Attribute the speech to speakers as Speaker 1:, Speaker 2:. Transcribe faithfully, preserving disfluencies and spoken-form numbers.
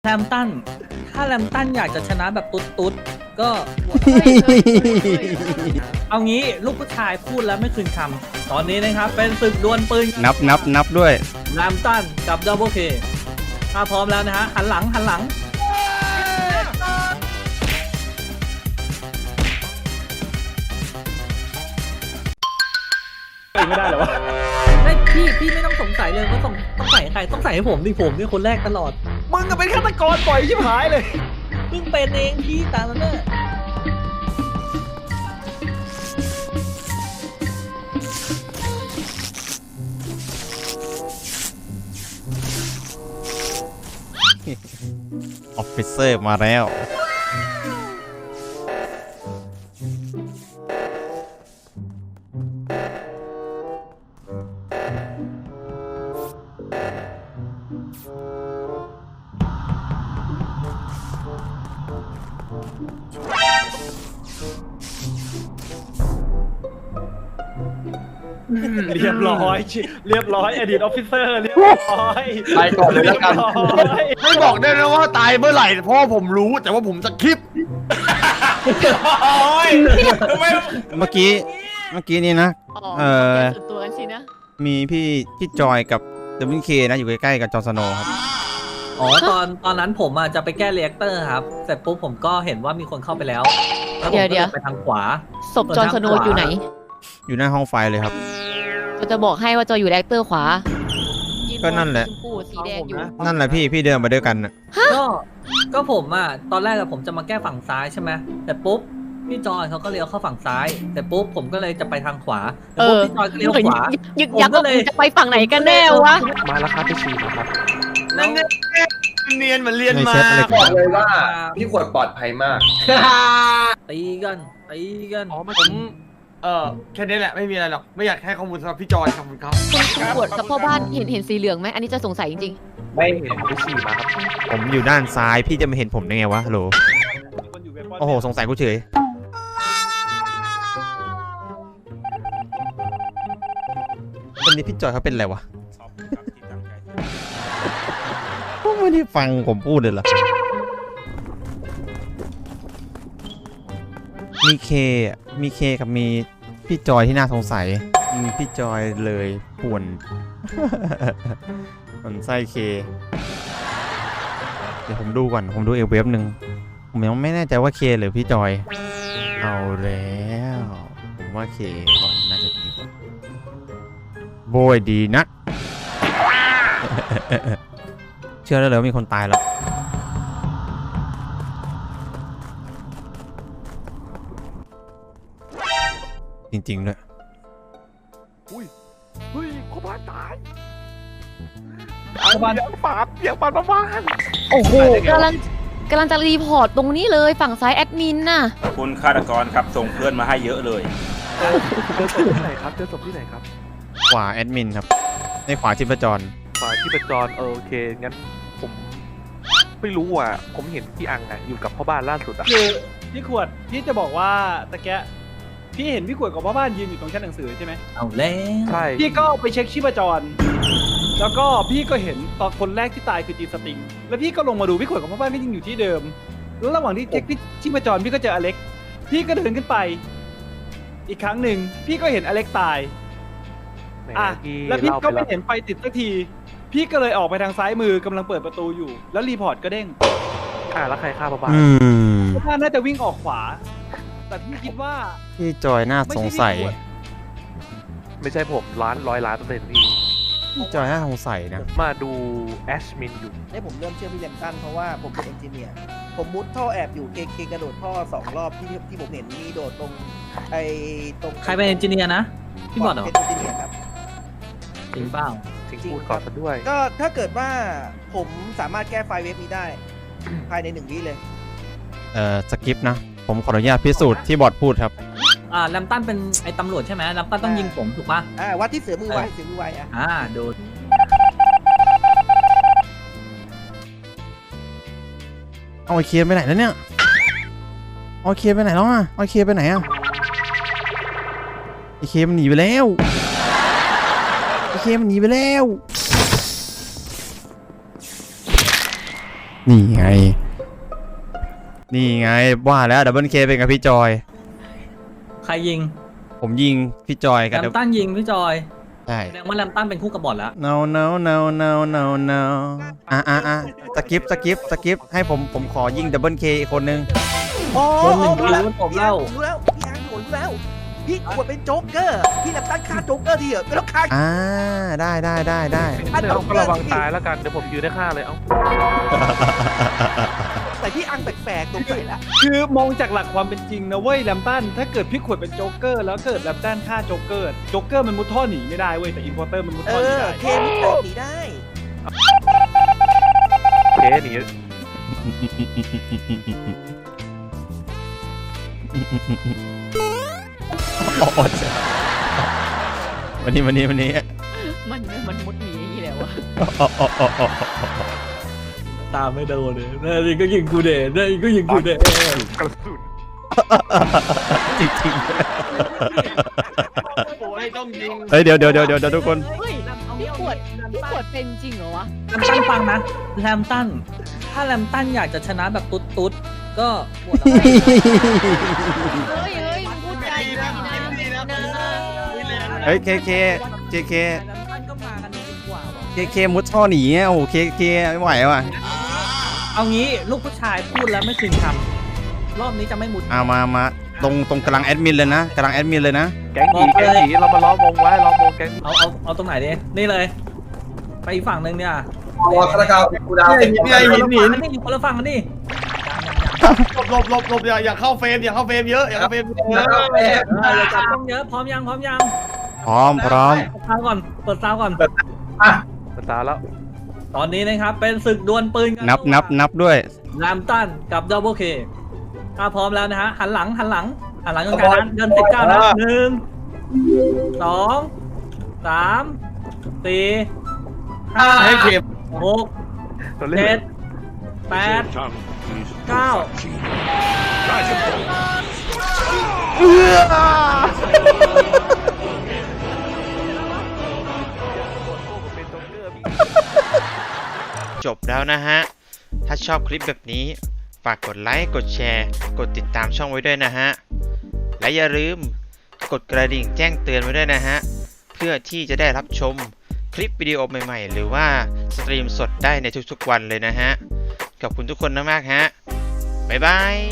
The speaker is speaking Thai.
Speaker 1: แรมตันถ้าแรมตันอยากจะชนะแบบตุ๊ดตุ๊ดก็ เอางี้ลูกผู้ชายพูดแล้วไม่คืนคำตอนนี้นะครับเป็นศึกดวลปืน
Speaker 2: นับนับนับด้วย
Speaker 1: แรมตันกับดับเบิลเคถ้าพร้อมแล้วนะฮะหันหลังหันหลังไม่ได้หรอวะไม่พี่พี่ไม่ต้องสงสัยเลยว่าต้องต้องใส่ใครต้องใส่ให้ผมดิผมนี่คนแรกตลอด
Speaker 3: มึงก็เป็นฆาตกรปล่อยชิบหายเลย
Speaker 1: เพิ่งเป็นเองพี่ตามนั้นเนอะ
Speaker 2: ออฟฟิเซอร์มาแล้ว
Speaker 3: เรียบร้อยเรียบร้อยอดีตออฟฟิเซอร์เรียบร้อย
Speaker 4: ไปก่อนเลยแล้วกัน
Speaker 3: เรียบร้อย
Speaker 4: ไม่บอกได้นะว่าตายเมื่อไหร่เพราะผมรู้แต่ว่าผมจะคลิปโอ้ยทำไม
Speaker 2: เมื่อกี้เมื่อกี้นี่นะ เออ
Speaker 5: ส่วนตัวกันสินะ
Speaker 2: มีพี่พี่จอยกับเดวินเคนะอยู่ใกล้ๆกับจอร์นสโนว์ครับ
Speaker 1: อ๋อตอนตอนนั้นผมอ่ะจะไปแก้เรีแอคเตอร์ครับเสร็จปุ๊บผมก็เห็นว่ามีคนเข้าไปแล้วแล้วผม
Speaker 5: เดี๋ยว
Speaker 1: ก็
Speaker 5: เดี๋ยว
Speaker 1: ไปทางขวา
Speaker 5: ศพจอห์นสโนว์อยู่ไหน
Speaker 2: อยู่หน้าห้องไฟเลยครับ
Speaker 5: เราจะบอกให้ว่าจอยอยู่แอคเตอร์ขวา
Speaker 2: ก็นั่นแหละ
Speaker 5: ชมพูสีแดงอยู่
Speaker 2: นั่นแหละพี่พี่เดินมาด้วยกันน่ะ
Speaker 1: ก็ก็ผมอ่ะตอนแรกอะผมจะมาแก้ฝั่งซ้ายใช่ไหมแต่ปุ๊บพี่จอยเขาก็เลี้ยวเข้าฝั่งซ้าย แต่ปุ๊บผมก็เลยจะไปทางขวาแต่ปุ๊บพี่จอยก็เลี้ยวขวา
Speaker 5: ยึกยัก
Speaker 1: ผมก็
Speaker 5: ว่า
Speaker 1: เลย
Speaker 5: มึงจะไปฝั่งไหนกันแน่วะ
Speaker 3: มาแล้วครับไปฉีดครับ
Speaker 1: แล้ว
Speaker 4: เนียนเหมือนเรียน
Speaker 2: ใน
Speaker 4: มา
Speaker 2: เซตอะไร
Speaker 6: บ
Speaker 2: กั
Speaker 6: อก
Speaker 2: น
Speaker 6: เลยว่าพี่ขวดปลอดภัยมาก
Speaker 1: ตีกันตีกัน
Speaker 4: อ๋อผมเออแค่นี้แหละไม่มีอะไรหรอกไม่อยากให้ข้อมูลสำหรับพี่จอยขอบคุณครับ
Speaker 5: คุณคุณปวดกับพ่อบ้านเห็นเห็นสีเหลืองไหมอันนี้จะสงสัยจริง
Speaker 6: ไม่
Speaker 3: เห็นไปฉีดมาครับ
Speaker 2: ผมอยู่ด้านซ้ายพี่จะมาเห็นผมได้ไงวะฮัลโหลโอ้โหสงสัยกูเฉยวันนี้พี่จอยเขาเป็นอะไรวะผมไม่ได้ฟังผมพูดเลยเหรอมีเคอ่ะมีเคกับมีพี่จอยที่น่าสงสัยมีพี่จอยเลยป่วน มันไส้เค เดี๋ยวผมดูก่อนผมดูเอลเวฟหนึ่งผมยังไม่แน่ใจว่าเคหรือพี่จอยเอาแล้วผมว่าเคก่อนน่าจะดีกว่าโบยดีนะ เชื่อได้เลยว่ามีคนตายแล้วจริงๆด้วย
Speaker 3: อุ้ยเฮ้ยพ่อบ้านตายพ่อบ้านปาดเปียกปาดพ่อบ้าน
Speaker 5: ๆ โอ้โหกำลังกำลังจะรีพอร์ตตรงนี้เลยฝั่งซ้ายแอดมินน่ะ
Speaker 7: คุณฆาตกรครับส่งเพื่อนมาให้เยอะเลย
Speaker 3: เจอศพที่ไหนครับเจอศพที่ไหนครับ
Speaker 2: ขวาแอดมินครับในขวาชิปจร
Speaker 3: ฝ่ายที่เป็นจรเออโอเคงั้นผมไม่รู้อ่ะผมเห็นพี่อังอ่ะอยู่กับพ่อบ้านล่าสุดอ่ะ
Speaker 8: คือพี่ขวดพี่จะบอกว่าตะแกะพี่เห็นพี่ขวดกับพ่อบ้านยืนอยู่ตรงชั้นหนังสือใช่ไหม
Speaker 1: เอาแล้ว
Speaker 3: ใช่
Speaker 8: พี่ก็ไปเช็คชีพจร แล้วก็พี่ก็เห็นตอนคนแรกที่ตายคือจีนสติงแล้วพี่ก็ลงมาดูพี่ขวดกับพ่อบ้านก็ยังอยู่ที่เดิม แล้วระหว่างที่เช็คชีพจรพี่ก็เจออเล็กพี่ก็เดินขึ้นไป อีกครั้งหนึ่งพี่ก็เห็นอเล็กตาย
Speaker 3: แหม
Speaker 8: อ่ะ
Speaker 3: พี่
Speaker 8: แล้วพี่
Speaker 3: เล่า
Speaker 8: ก็
Speaker 3: ไป
Speaker 8: ไม่
Speaker 3: แล้ว
Speaker 8: เห็นไฟติดสักที พี่ก็เลยออกไปทางซ้ายมือกำลังเปิดประตูอยู่ แล้วรีพอร์ตก็เด้ง
Speaker 3: อ่ะแล้วใครฆ่าพ่อบ้าน
Speaker 2: อืม
Speaker 8: พ่อบ้านน่าจะวิ่งออกขวา แต่พี่คิดว่า
Speaker 2: พี่จอยน่าสงสัย
Speaker 3: ไม่ใช่ผมล้านร้อยล้านเปอร์เซ็นต์พี่
Speaker 2: พี่จอยน่าสงสัยนะ
Speaker 3: ผมมาดูแอชมินอยู่
Speaker 9: ให้ผมเริ่มเชื่อพี่แรมตันเพราะว่าผมเป็นเอนจิเนียร์ผมมุดท่อแอบอยู่เคเคกระโดดท่อสองรอบที่ที่ผมเห็นมีโดดตรงไอ้ตรง
Speaker 1: ใครเป็นเอนจิเนียร์นะพี่บอดเหรอ
Speaker 9: เป็นเอนจิเนียร์ครับ
Speaker 1: จริงเปล่า
Speaker 3: ทิ้งพูดก่อนซะด้วย
Speaker 9: ก็ถ้าเกิดว่าผมสามารถแก้ไฟล์เว็บนี้ได้ ภายในหนึ่งวิเลย
Speaker 2: เอ่อสกิปนะ ผมขออนุญาตพิสูจน์ที่บอร์ดพูดครับ
Speaker 1: อ่าแรมตันเป็นไอ้ตำรวจใช่ไหมแรมตันต้องยิงผมถูกปะ
Speaker 9: อ่าวัดที่เสือมือไวเสือมือไวอ่ะ
Speaker 1: อ่าดู
Speaker 2: เอาไอเคไปไหนแล้วเนี่ยเอาไอเคไปไหนแล้วอ่ะเอาไอเคไปไหนอ่ะไอเคมันหนีไปแล้วไอเคมันหนีไปแล้วนี่ไง นี่ไงว่าแล้วดับเบิลเคเป็นกับพี่จอย
Speaker 1: ใครยิง
Speaker 2: ผมยิงพี่จอย
Speaker 1: แร
Speaker 2: กับ
Speaker 1: มตันยิงพี่จอย
Speaker 2: ใช่
Speaker 1: แสดงว่าแรมตันเป็นคู่กับบอทแล้ว
Speaker 2: no no no no no no อ่ะอ่ะอ่ะสกิปสกิปสกิปให้ผมผมขอยิงดับเบิลเคอีกคนนึง
Speaker 9: อ๋อ
Speaker 1: คนหนึ่ง
Speaker 9: รู้แล้ว
Speaker 1: รู้ผมเล่า
Speaker 9: รู้แล้วพี่อังรู้แล้ว พี่ขวดเป็นโจ๊กเกอร์ พี่แลมตันฆ่าโจ๊กเกอร์ทีเหรอไม่ต้องฆ่า
Speaker 2: อ่าได้ได้ได้ได้
Speaker 3: เดี๋ยวก็ระวังตายแล้วกัน เดี๋ยวผมยืนได้ฆ่าเลย เอ้า
Speaker 9: แต่พี่อังแปลกๆตรงไหนละ
Speaker 8: คือมองจากหลักความเป็นจริงนะเว้ยแลมตันถ้าเกิดพี่ขวดเป็นโจ๊กเกอร์แล้วเกิดแลมตันฆ่าโจ๊กเกอร์โจ๊กเกอร์มันมุดท่อหนีไม่ได้เว้ยแต่อินพอร์เตอร์มันมุด
Speaker 9: เอ
Speaker 8: ท่อหนี
Speaker 9: อ
Speaker 8: ได้
Speaker 9: เคมิแตกหนีได้
Speaker 3: เคหนี
Speaker 2: โอ้ยวันนี้วันนี้วันนี้
Speaker 5: มันมันมุดหนีอย่างนี้แล้วอะ
Speaker 1: ตามไม่โดนเลยนี่ก็ยิงกูเดชนี่ก็ยิงกูเดช
Speaker 3: กระสุน
Speaker 2: จริงจริง
Speaker 4: โอ้ยต้องยิง
Speaker 2: เฮ้ยเดี๋ยวเดี๋ยวเดี๋ยวเดี๋ยวทุกคน
Speaker 5: เฮ้ยพี่ขวดพี่ขวดเป็นจริงเหรอวะ
Speaker 1: แรมตันฟังนะแรมตันถ้าแรมตันอยากจะชนะแบบตุ๊ดตุ๊ดๆก็บวชเอาไว้
Speaker 5: เฮ้ยเฮ้ยพูดใจดีนะดีนะ
Speaker 2: เฮ้ยเคเคเคเค
Speaker 1: แรมตันก็มากันดีกว่าว่ะ
Speaker 2: เคเคมุดท่อหนีอ่ะโอ้โหเคเคไม่ไหวว่ะ
Speaker 1: เอางี้ลูกผู้ชายพูดแล้วไม่คืนคำรอบนี้จะไม่มุด
Speaker 2: เอามามาตรงตรงกำลังแอดมินเลยนะกำลังแอดมินเลยนะ
Speaker 3: แก๊งผีแก๊งผีเรามาล้อมวงไว้ล้อมวงแก๊งผี
Speaker 1: เอาเอาเอาตรงไหนดีนี่เลย ไปอีกฝั่งหนึ่งเนี่ย
Speaker 6: รอฆาตกรรมกูดาว
Speaker 4: เนี่ยเนี่ย
Speaker 1: คน
Speaker 4: หิน
Speaker 1: ละ
Speaker 4: หิ
Speaker 1: ฝั่ง
Speaker 4: น
Speaker 1: กันนี่คนละฝั่งกันนี่
Speaker 4: หลบหลบหลบอย่าอย่าเข้าเฟรมอย่าเข้าเฟรมเยอะอย่าเข้าเฟรมเยอะ
Speaker 1: เอออย่าจับต้องเยอะพร้อมยังพร้อมยัง
Speaker 2: พร้อมพร้อม
Speaker 1: เปิดซาวก่อนเปิดซาวก่อน
Speaker 3: ภาษาแล้ว
Speaker 1: ตอนนี้นะครับเป็นศึกดวลปืนกั
Speaker 2: นับนับนับด้วย
Speaker 1: แรมตันกับดับเบิลเคถ้าพร้อมแล้วนะฮะหันหลังหันหลังหันหลังกันกันนะเดินสิบเก้านะหนึ่งสองสามสี่ห้า
Speaker 4: ให้เข็ม
Speaker 1: หก
Speaker 3: ตัวเล่
Speaker 1: เจ็
Speaker 3: น
Speaker 1: ดแปดเก้า
Speaker 3: เป็นโจ๊กเกอร์พี่
Speaker 2: จบแล้วนะฮะ ถ้าชอบคลิปแบบนี้ ฝากกดไลค์ กดแชร์ กดติดตามช่องไว้ด้วยนะฮะ และอย่าลืมกดกระดิ่งแจ้งเตือนไว้ด้วยนะฮะ เพื่อที่จะได้รับชมคลิปวิดีโอใหม่ๆ หรือว่าสตรีมสดได้ในทุกๆวันเลยนะฮะ ขอบคุณทุกคนมากๆฮะ บ๊ายบาย